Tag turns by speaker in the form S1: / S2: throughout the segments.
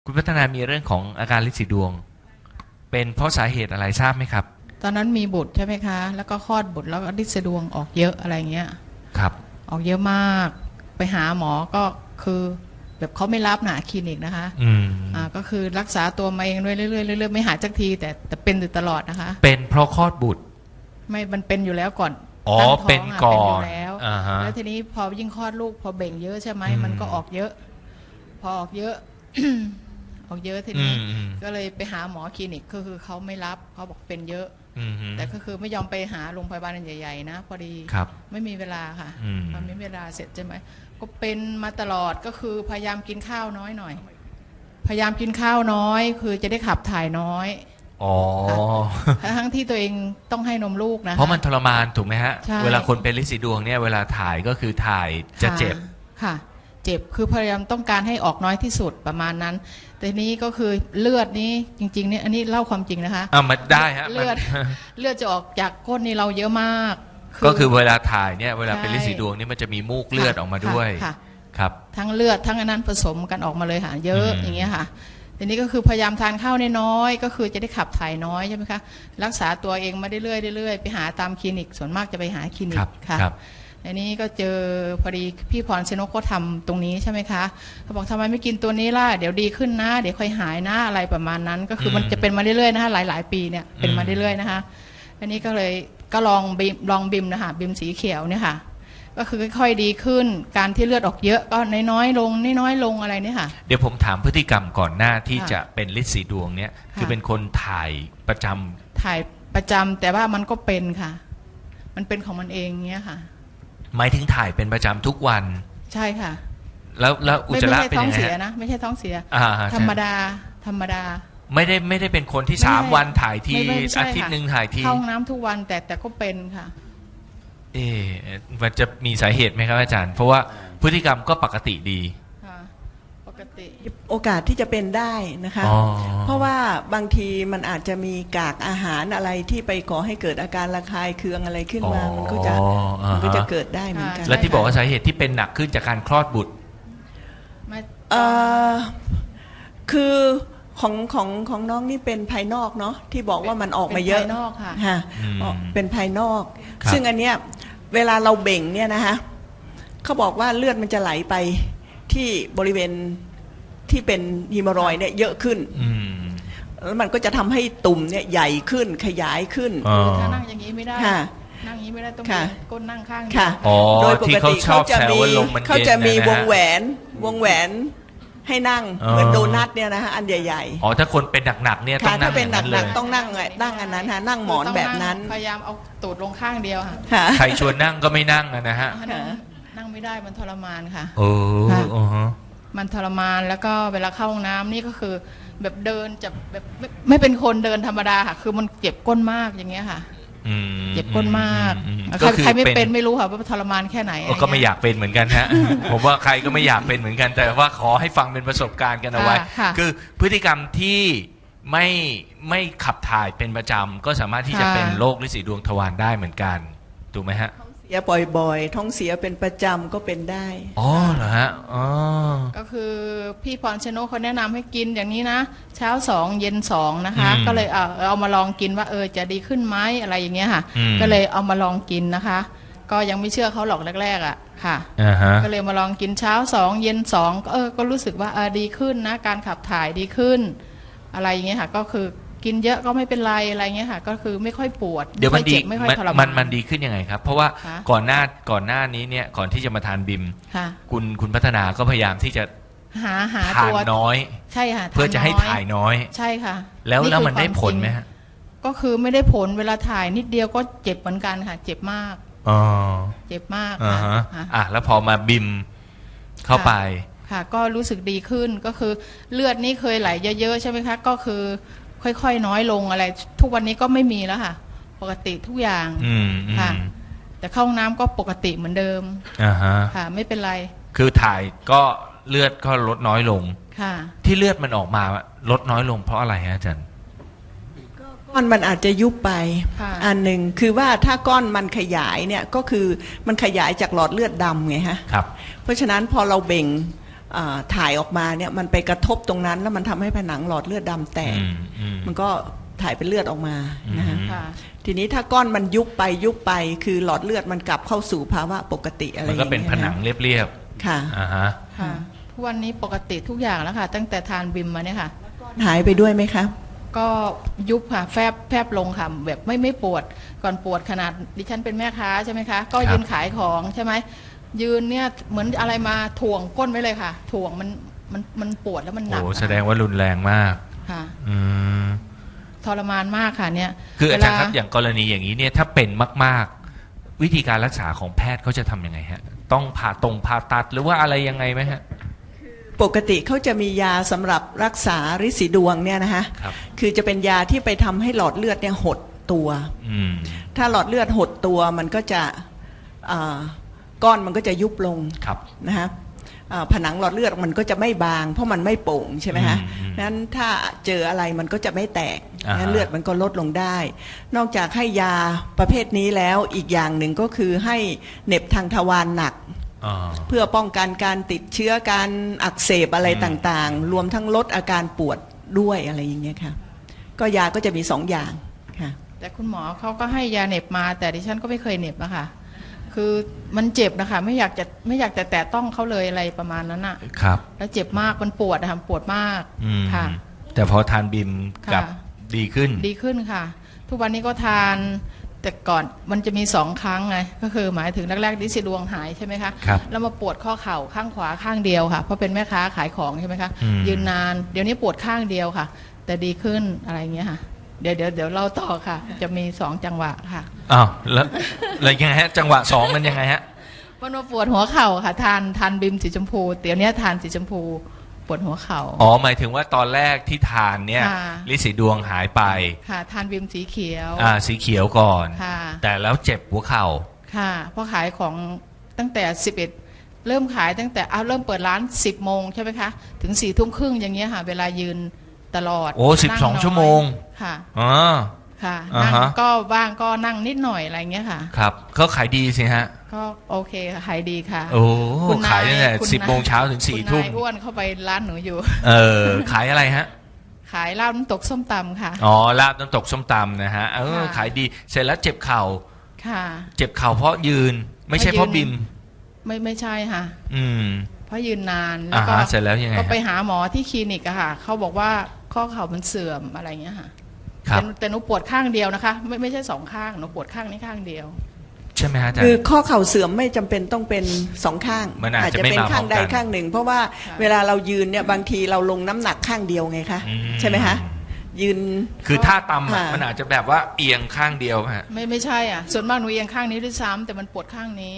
S1: คุณพัฒนามีเรื่องของอาการลินสีดวงเป็นเพราะสาเหตุอะไรทราบไหมครับ
S2: ตอนนั้นมีบุตรใช่ไหมคะแล้วก็คลอดบุตรแล้วก็ลินสะดวงออกเยอะอะไรเงี้ย
S1: ครับ
S2: ออกเยอะมากไปหาหมอก็คือแบบเขาไม่รับหนาคลินิกนะคะก็คือรักษาตัวมาเองเรื่อยๆเรื่อยๆไม่หายสักทีแต่เป็นอยู่ตลอดนะคะ
S1: เป็นเพราะคลอดบุตร
S2: ไม่มันเป็นอยู่แล้วก่อน
S1: อ๋อเป็นก่อน
S2: แล้วทีนี้พอยิ่งคลอดลูกพอเบ่งเยอะใช่ไหมมันก็ออกเยอะพอออกเยอะ ออกเยอะทีนี้ก็เลยไปหาหมอคลินิกก็คือเขาไม่รับเขาบอกเป็นเยอะแต่ก็คือไม่ยอมไปหาโรงพยาบาลใหญ่ๆนะพอดีไม่มีเวลาค่ะมันไม่มีเวลาเสร็จใช่ไหมก็เป็นมาตลอดก็คือพยายามกินข้าวน้อยหน่อยพยายามกินข้าวน้อยคือจะได้ขับถ่ายน้อย
S1: อ๋อ
S2: ทั้งที่ตัวเองต้องให้นมลูกนะ
S1: เพราะมันทรมานถูกไหมฮะเวลาคนเป็นลินสีดวงเนี่ยเวลาถ่ายก็คือถ่ายจะเจ็บ
S2: ค่ะเจ็บคือพยายามต้องการให้ออกน้อยที่สุดประมาณนั้นแต่นี้ก็คือเลือดนี้จริงๆเนี่ยอันนี้เล่าความจริงนะคะ
S1: มันได้ฮะ
S2: เลือดจะออกจากก้นนี่เราเยอะมาก
S1: ก็คือเวลาถ่ายเนี่ยเวลาเป็นลินสีดวงนี่มันจะมีมูกเลือดออกมาด้วยครับ
S2: ทั้งเลือดทั้งอันนั้นผสมกันออกมาเลยค่ะเยอะอย่างเงี้ยค่ะทีนี้ก็คือพยายามทานข้าวน้อยก็คือจะได้ขับถ่ายน้อยใช่ไหมคะรักษาตัวเองมาเรื่อยๆไปหาตามคลินิกส่วนมากจะไปหาคลินิกค่ะอันนี้ก็เจอพอดีพี่พรชนกเขาทำตรงนี้ใช่ไหมคะเขาบอกทำไมไม่กินตัวนี้ล่ะเดี๋ยวดีขึ้นนะเดี๋ยวค่อยหายนะอะไรประมาณนั้นก็คือมันจะเป็นมาเรื่อยๆนะคะหลายๆปีเนี่ยเป็นมาเรื่อยๆนะคะอันนี้ก็เลยก็ลองบิมนะคะบิมสีเขียวเนี่ยค่ะก็คือค่อยๆดีขึ้นการที่เลือดออกเยอะก็น้อยๆลงอะไรเนี่ยค่ะ
S1: เดี๋ยวผมถามพฤติกรรมก่อนหน้าที่จะเป็นลินสีดวงเนี่ยคือเป็นคนถ่ายประจ
S2: ำแต่ว่ามันก็เป็นค่ะมันเป็นของมันเองเงี้ยค่ะ
S1: หมายถึงถ่ายเป็นประจำทุกวัน
S2: ใช่ค่ะ
S1: แล้วอุจจาระเป็นยังไง
S2: ไม่ใช่ท้องเสียนะไม่ใช่ท้องเสียธรรมดา
S1: ไม่ได้เป็นคนที่3 วันถ่ายทีอาทิตย์นึงถ่ายที
S2: เข้าห้องน้ำทุกวันแต่ก็เป็นค่ะ
S1: มันจะมีสาเหตุไหมครับอาจารย์เพราะว่าพฤติกรรมก็ปกติดี
S2: ปกติ
S3: โอกาสที่จะเป็นได้นะคะเพราะว่าบางทีมันอาจจะมีกากอาหารอะไรที่ไปก่อให้เกิดอาการระคายเคืองอะไรขึ้นมามันก็จะเกิดได้เหมือนกัน
S1: และที่บอกว่าสาเหตุที่เป็นหนักขึ้นจากการคลอดบุตร
S3: คือของน้องนี่เป็นภายนอกเนาะที่บอกว่ามันออกมาเยอะ
S2: ภายนอกค่ะ
S3: เป็นภายนอกซึ่งอันเนี้ยเวลาเราเบ่งเนี่ยนะคะเขาบอกว่าเลือดมันจะไหลไปที่บริเวณที่เป็นฮีโมรอยด์เนี่ยเยอะขึ้นแล้วมันก็จะทำให้ตุ่มเนี่ยใหญ่ขึ้นขยายขึ้น
S2: ถ้านั่งอย่างนี้ไม่ได้นั่งอย่างนี้ไม่ได้ต้องก้นนั่งข้าง
S3: โดยปกติเขาจะมีวงแหวนให้นั่งเหมือนโดนัทเนี่ยนะฮะอันใหญ่
S1: ๆถ้าคนเป็นหนักๆเนี่ยต้องนั่ง
S3: ถ้าเป็นหนักๆต้องนั่งอันนั้นฮะนั่งหมอนแบบนั้น
S2: พยายามเอาตูดลงข้างเดียวค่ะ
S1: ใครชวนนั่งก็ไม่นั่งนะฮะ
S2: นั่งไม่ได้มันทรมานค่ะ
S1: มัน
S2: ทรมานแล้วก็เวลาเข้าห้องน้ำนี่ก็คือแบบเดินจะแบบไม่เป็นคนเดินธรรมดาค่ะคือมันเจ็บก้นมากอย่างเงี้ยค่ะเจ็บก้นมากใครไม่เป็นไม่รู้ค่ะว่าทรมานแค่ไหน
S1: ก็ไม่อยากเป็นเหมือนกันฮะผมว่าใครก็ไม่อยากเป็นเหมือนกันแต่ว่าขอให้ฟังเป็นประสบการณ์กันเอาไว้คือพฤติกรรมที่ไม่ขับถ่ายเป็นประจำก็สามารถที่จะเป็นโรคลินสีดวงทวารได้เหมือนกันถูกไหมฮะ
S3: เสียบ่อยๆท้องเสียเป็นประจำก็เป็นได้
S1: เหรอฮะ
S2: ก็คือพี่พรชนกเขาแนะนำให้กินอย่างนี้นะเช้า2เย็น2นะคะก็เลยเอามาลองกินว่าจะดีขึ้นไหมอะไรอย่างเงี้ยค่ะก็เลยเอามาลองกินนะคะก็ยังไม่เชื่อเขาหรอกแรกๆค่ะก็เลยมาลองกินเช้า2เย็น2ก็รู้สึกว่าดีขึ้นนะการขับถ่ายดีขึ้นอะไรอย่างเงี้ยค่ะก็คือกินเยอะก็ไม่เป็นไรอะไรเงี้ยค่ะก็คือไม่ค่อยปวด
S1: เดี๋ยวมันดีมันดีขึ้นยังไงครับเพราะว่าก่อนหน้านี้เนี่ยก่อนที่จะมาทานบิมคุณพัฒนาก็พยายามที่จะ
S2: หา
S1: ทานน้อย
S2: ใช่ค่ะ
S1: เพื่อจะให้ถ่ายน้อย
S2: ใช่ค่ะ
S1: แล้วมันได้ผลไหมฮะ
S2: ก็คือไม่ได้ผลเวลาถ่ายนิดเดียวก็เจ็บเหมือนกันค่ะเจ็บมากเจ็บมาก
S1: แล้วพอมาบิมเข้าไป
S2: ค่ะก็รู้สึกดีขึ้นก็คือเลือดนี่เคยไหลเยอะๆใช่ไหมคะก็คือค่อยๆน้อยลงอะไรทุกวันนี้ก็ไม่มีแล้วค่ะปกติทุกอย่างค่ะแต่เข้าห้องน้ำก็ปกติเหมือนเดิมค่ะไม่เป็นไร
S1: คือถ่ายก็เลือดก็ลดน้อยลง
S2: ค่ะ
S1: ที่เลือดมันออกมาลดน้อยลงเพราะอะไรฮะอาจารย์
S3: ก้อนมันอาจจะยุบไปอันหนึ่งคือว่าถ้าก้อนมันขยายเนี่ยก็คือมันขยายจากหลอดเลือดดำไงฮะ
S1: ครับ
S3: เพราะฉะนั้นพอเราเบ่งถ่ายออกมาเนี่ยมันไปกระทบตรงนั้นแล้วมันทำให้ผนังหลอดเลือดดำแตกมันก็ถ่ายเป็นเลือดออกมานะฮะทีนี้ถ้าก้อนมันยุบไปคือหลอดเลือดมันกลับเข้าสู่ภาวะปกติอะไรอย่างเงี้ยมันก็
S1: เป็นผนังเรียบ
S3: ๆค่ะ
S2: ค่ะทุกวันนี้ปกติทุกอย่างแล้วค่ะตั้งแต่ทานบิมมาเนี่ยค่ะ
S3: หายไปด้วยไหมคะ
S2: ก็ยุบค่ะแฟบลงค่ะแบบไม่ปวดก่อนปวดขนาดดิฉันเป็นแม่ค้าใช่ไหมคะก็ยืนขายของใช่ไหมยืนเนี่ยเหมือนอะไรมาถ่วงก้นไว้เลยค่ะถ่วงมันปวดแล้วมันหนัก
S1: โอ้แสดงว่ารุนแรงมาก
S2: ค่ะทรมานมากค่ะเนี่ย
S1: คืออาจารย์ครับอย่างกรณีอย่างนี้เนี่ยถ้าเป็นมากๆวิธีการรักษาของแพทย์เขาจะทำยังไงฮะต้องผ่าตัดหรือว่าอะไรยังไงไหมฮะ
S3: ปกติเขาจะมียาสำหรับรักษาฤทธิ์สีดวงเนี่ยนะคะคือจะเป็นยาที่ไปทำให้หลอดเลือดเนี่ยหดตัวถ้าหลอดเลือดหดตัวมันก็จะก้อนมันก็จะยุบลงนะฮะผนังหลอดเลือดมันก็จะไม่บางเพราะมันไม่โป่งใช่ไหมฮะนั้นถ้าเจออะไรมันก็จะไม่แตกงั้นเลือดมันก็ลดลงได้นอกจากให้ยาประเภทนี้แล้วอีกอย่างหนึ่งก็คือให้เหน็บทางทวารหนักเพื่อป้องกันการติดเชื้อการอักเสบอะไรต่างๆรวมทั้งลดอาการปวดด้วยอะไรอย่างเงี้ยค่ะก็ยาก็จะมี2 อย่างค่ะ
S2: แต่คุณหมอเขาก็ให้ยาเหน็บมาแต่ดิฉันก็ไม่เคยเหน็บนะคะคือมันเจ็บนะคะไม่อยากจะแตะต้องเขาเลยอะไรประมาณนั้นอะ
S1: ครับ
S2: แล้วเจ็บมากมันปวดนะคะปวดมากค่ะ
S1: แต่พอทานบิมกับดีขึ้น
S2: ค่ะทุกวันนี้ก็ทานแต่ก่อนมันจะมี2 ครั้งไงก็คือหมายถึงแรกๆฤทธิ์สีดวงหายใช่ไหมคะแล้วมาปวดข้อเข่าข้างขวาข้างเดียวค่ะเพราะเป็นแม่ค้าขายของใช่ไหมคะยืนนานเดี๋ยวนี้ปวดข้างเดียวค่ะแต่ดีขึ้นอะไรเงี้ยค่ะเดี๋ยวเล่าต่อค่ะจะมี2 จังหวะค่ะ
S1: อ้าวแล้วยังไงฮะจังหวะ2มันยังไงฮะ
S2: มันปวดหัวเข่าค่ะทานบิมสีชมพูเดี๋ยวนี้ทานสีชมพูปวดหัวเข่า
S1: หมายถึงว่าตอนแรกที่ทานเนี่ยฤทธิ์สีดวงหายไป
S2: ค่ะทานบิมสีเขียว
S1: สีเขียวก่อนแต่แล้วเจ็บหัวเข่า
S2: ค่ะเพราะขายของตั้งแต่11เริ่มขายตั้งแต่เริ่มเปิดร้าน10 โมงใช่ไหมคะถึง4 ทุ่มครึ่งอย่างเงี้ยค่ะเวลายืนตลอด
S1: 12 ชั่วโมง
S2: ค่ะค่ะนั่งก็บ้างก็นั่งนิดหน่อยอะไรเงี้ยค่ะ
S1: ครับเขาขายดีสิฮะ
S2: ก็โอเคขายดีค่ะ
S1: โอ้ขายตั้งแต่10 โมงเช้าถึง4 ทุ่ม
S2: อ้วนเข้าไปร้านหนูอยู่
S1: ขายอะไรฮะ
S2: ขายลาบน้ำตกส้มตำค่ะ
S1: ลาบน้ำตกส้มตำนะฮะขายดีเสร็จแล้วเจ็บเข่า
S2: ค่ะ
S1: เจ็บเข่าเพราะยืนไม่ใช่เพราะบิม
S2: ไม่ใช่ค่ะเพราะยืนนานแล้
S1: วก็เสร็จแล้วยังไง
S2: ก็ไปหาหมอที่คลินิกอะค่ะเขาบอกว่าข้อเข่ามันเสื่อมอะไรเงี้ยค่ะแต่หนูปวดข้างเดียวนะคะไม่ใช่2 ข้างหนูปวดข้างนี้ข้างเดียว
S1: ใช่ไหมฮะอาจารย์
S3: คือข้อเข่าเสื่อมไม่จำเป็นต้องเป็น2 ข้าง
S1: อาจจะเป็น
S3: ข้างใดข้างหนึ่งเพราะว่าเวลาเรายืนเนี่ยบางทีเราลงน้ำหนักข้างเดียวไงคะใช่ไหมคะยืน
S1: คือท่าตำมันอาจจะแบบว่าเอียงข้างเดียวฮะ
S2: ไม่ใช่อ่ะส่วนมากหนูเอียงข้างนี้ด้วยซ้ำแต่มันปวดข้างนี้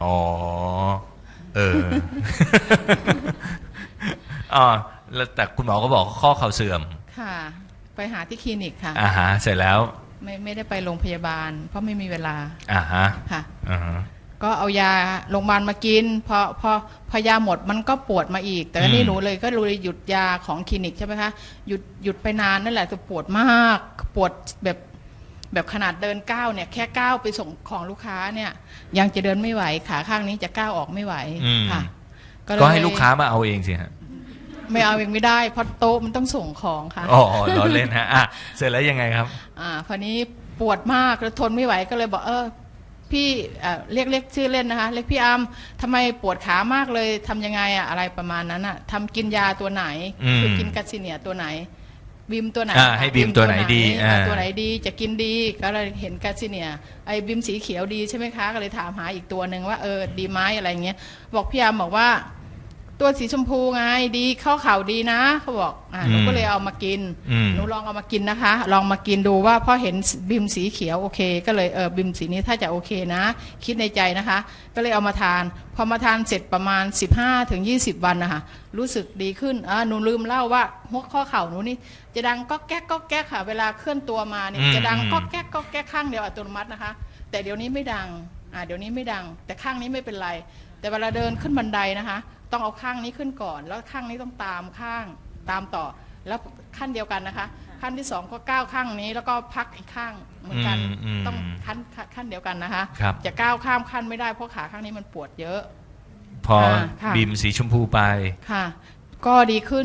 S1: แล้วแต่คุณหมอก็บอกข้อเข่าเสื่อม
S2: ค่ะไปหาที่คลินิกค่ะ
S1: เสร็จแล้ว
S2: ไม่ได้ไปโรงพยาบาลเพราะไม่มีเวลา
S1: ค่ะ
S2: ก็เอายาโรงพยาบาลมากินพอยาหมดมันก็ปวดมาอีกแต่นี่หนูเลยก็เลยหยุดยาของคลินิกใช่ไหมคะหยุดไปนานนั่นแหละจะปวดมากปวดแบบขนาดเดินก้าวเนี่ยแค่ก้าวไปส่งของลูกค้าเนี่ยยังจะเดินไม่ไหวขาข้างนี้จะก้าวออกไม่ไหวค่ะ
S1: ก็ให้ลูกค้ามาเอาเองสิฮะ
S2: ไม่เอาเองไม่ได้เพราะโต๊ะมันต้องส่งของค่ะ
S1: ล้อเล่นฮะเสร็จแล้วยังไงครับ
S2: พอนี้ปวดมากแล้วทนไม่ไหวก็เลยบอกพี่เรียกชื่อเล่นนะคะเรียกพี่อัมทำไมปวดขามากเลยทำยังไงอะไรประมาณนั้นทำกินยาตัวไหนคือกินกัสซิเนียตัวไหนบิมตัวไหน
S1: ให้บิมตัวไหนดี
S2: ตัวไหนดีจะกินดีก็เลยเห็นกัสซิเนียไอ้บิมสีเขียวดีใช่ไหมคะก็เลยถามหาอีกตัวหนึ่งว่าดีไหมอะไรเงี้ยบอกพี่อัมบอกว่าตัวสีชมพูไงดีเข้าเข่าดีนะเขาบอกหนูก็เลยเอามากินหนูลองเอามากินนะคะลองมากินดูว่าพอเห็นบิมสีเขียวโอเคก็เลยบิมสีนี้ถ้าจะโอเคนะคิดในใจนะคะก็เลยเอามาทานพอมาทานเสร็จประมาณ15-20 วันนะคะรู้สึกดีขึ้นหนูลืมเล่าว่าหัวข้อเข่าหนูนี่จะดังก็แก๊กก็แก๊กค่ะเวลาเคลื่อนตัวมาเนี่ยจะดังก็แก๊กก็แก๊กข้างเดียวอัตโนมัตินะคะแต่เดี๋ยวนี้ไม่ดังเดี๋ยวนี้ไม่ดังแต่ข้างนี้ไม่เป็นไรแต่เวลาเดินขึ้นบันไดนะคะต้องเอาข้างนี้ขึ้นก่อนแล้วข้างนี้ต้องตามต่อแล้วขั้นเดียวกันนะคะขั้นที่2ก็ก้าวข้างนี้แล้วก็พักอีกข้างเหมือนกันต้องขั้นเดียวกันนะคะจะก้าวข้ามขั้นไม่ได้เพราะขาข้างนี้มันปวดเยอะ
S1: พอ
S2: ค่ะ
S1: บีมสีชมพูไป
S2: ค่ะ ก็ดีขึ้น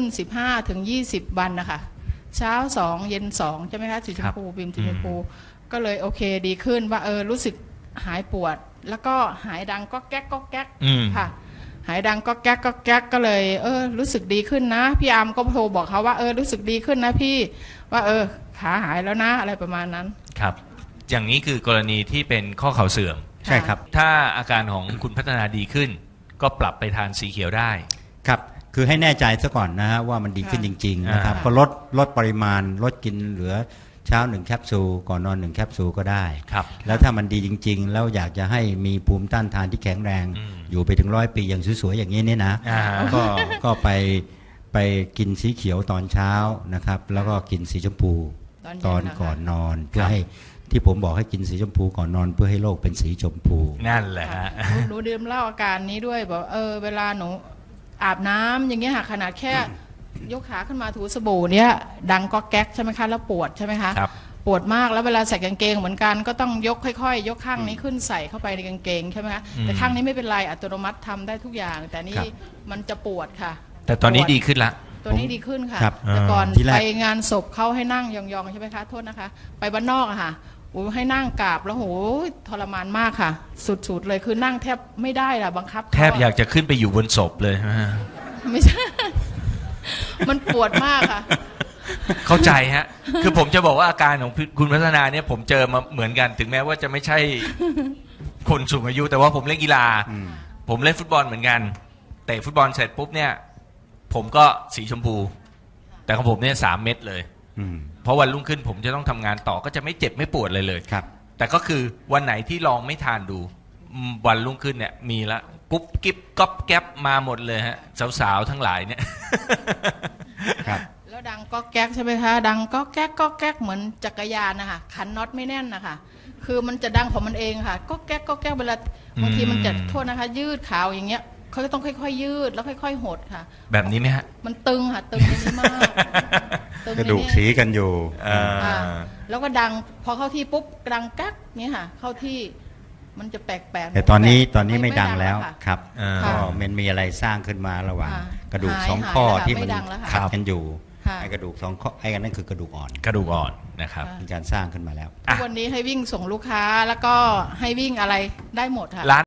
S2: 15-20 วันนะคะเช้า2เย็น2ใช่ไหมคะสีชมพูบีมสีชมพูก็เลยโอเคดีขึ้นว่ารู้สึกหายปวด แล้วก็หายดังก็แก๊กก็แก๊กค่ะหายดังก็แก๊กก็แก๊กก็เลยรู้สึกดีขึ้นนะพี่อาร์มก็โทรบอกเขาว่ารู้สึกดีขึ้นนะพี่ว่าขาหายแล้วนะอะไรประมาณนั้น
S1: ครับอย่างนี้คือกรณีที่เป็นข้อเข่าเสื่อม
S4: ใช่ครับ
S1: ถ้าอาการของคุณพัฒนาดีขึ้นก็ปรับไปทานสีเขียวได้
S4: ครับคือให้แน่ใจซะก่อนนะฮะว่ามันดีขึ้นจริงๆนะครับก็ลดปริมาณลดกินเหลือเช้า1แคปซูลก่อนนอน1แคปซูลก็ได้
S1: ครับ
S4: แล้วถ้ามันดีจริงๆแล้วอยากจะให้มีภูมิต้านทานที่แข็งแรงอยู่ไปถึง100 ปีอย่างสวยๆอย่างนี้เนี่ยนะก็ไปกินสีเขียวตอนเช้านะครับแล้วก็กินสีชมพูตอนก่อนนอนเพื่อให้ที่ผมบอกให้กินสีชมพูก่อนนอนเพื่อให้โลกเป็นสีชมพู
S1: นั่นแหละฮะ
S2: หนูดื่มเหล้าอาการนี้ด้วยบอกเวลาหนูอาบน้ำอย่างเงี้ยค่ะขนาดแค่ยกขาขึ้นมาถูสบู่เนี้ยดังก็แก๊กใช่ไหมคะแล้วปวดใช่ไหมคะปวดมากแล้วเวลาใส่กางเกงเหมือนกันก็ต้องยกค่อยๆยกข้างนี้ขึ้นใส่เข้าไปในกางเกงใช่ไหมคะแต่ข้างนี้ไม่เป็นไรอัตโนมัติทำได้ทุกอย่างแต่นี่มันจะปวดค่ะ
S1: แต่ตอนนี้ดีขึ้นละ
S2: ตัวนี้ดีขึ้นค่ะแต่ก่อนไปงานศพเขาให้นั่งยองๆใช่ไหมคะโทษนะคะไปบ้านนอกอะค่ะให้นั่งกราบแล้วโหทรมานมากค่ะสุดๆเลยคือนั่งแทบไม่ได้ล่ะบังคับ
S1: แทบอยากจะขึ้นไปอยู่บนศพเลย
S2: ไม่ใช่มันปวดมากค่ะ
S1: เข้าใจฮะคือผมจะบอกว่าอาการของคุณพัฒนาเนี่ยผมเจอมาเหมือนกันถึงแม้ว่าจะไม่ใช่คนสูงอายุแต่ว่าผมเล่นกีฬาผมเล่นฟุตบอลเหมือนกันเตะฟุตบอลเสร็จปุ๊บเนี่ยผมก็สีชมพูแต่ของผมเนี่ย3 เม็ดเลยเพราะวันรุ่งขึ้นผมจะต้องทำงานต่อก็จะไม่เจ็บไม่ปวดเลย
S4: ครับ
S1: แต่ก็คือวันไหนที่ลองไม่ทานดูวันรุ่งขึ้นเนี่ยมีละกุ๊บกิ๊บก๊อบแก๊บมาหมดเลยฮะสาวๆทั้งหลายเนี่ย
S4: ครับ
S2: แล้วดังก็แก๊กใช่ไหมคะดังก็แก๊กก็แก๊กเหมือนจักรยานนะคะขันน็อตไม่แน่นนะคะคือมันจะดังของมันเองค่ะก็แก๊กก็แก๊กเวลาบางทีมันจะโทษนะคะยืดขาวอย่างเงี้ยเขาจะต้องค่อยๆยืดแล้วค่อยๆหดค่ะ
S1: แบบนี้ไหมฮะ
S2: มันตึงค่ะตึงในนี้มาก
S4: กระดูกสีกันอยู่
S2: แล้วก็ดังพอเข้าที่ปุ๊บดังกักเนี้ยค่ะเข้าที่มันจะแปลกๆ
S4: แต่ตอนนี้ไม่ดังแล้วครับก็มันมีอะไรสร้างขึ้นมาระหว่างกระดูก2 ข้อที่มันขัดกันอยู่ไอ้กระดูก2 ข้อไอ้กันนั่นคือกระดูกอ่อน
S1: นะครับ
S4: มีการสร้างขึ้นมาแล้ว
S2: วันนี้ให้วิ่งส่งลูกค้าแล้วก็ให้วิ่งอะไรได้หมดค่ะ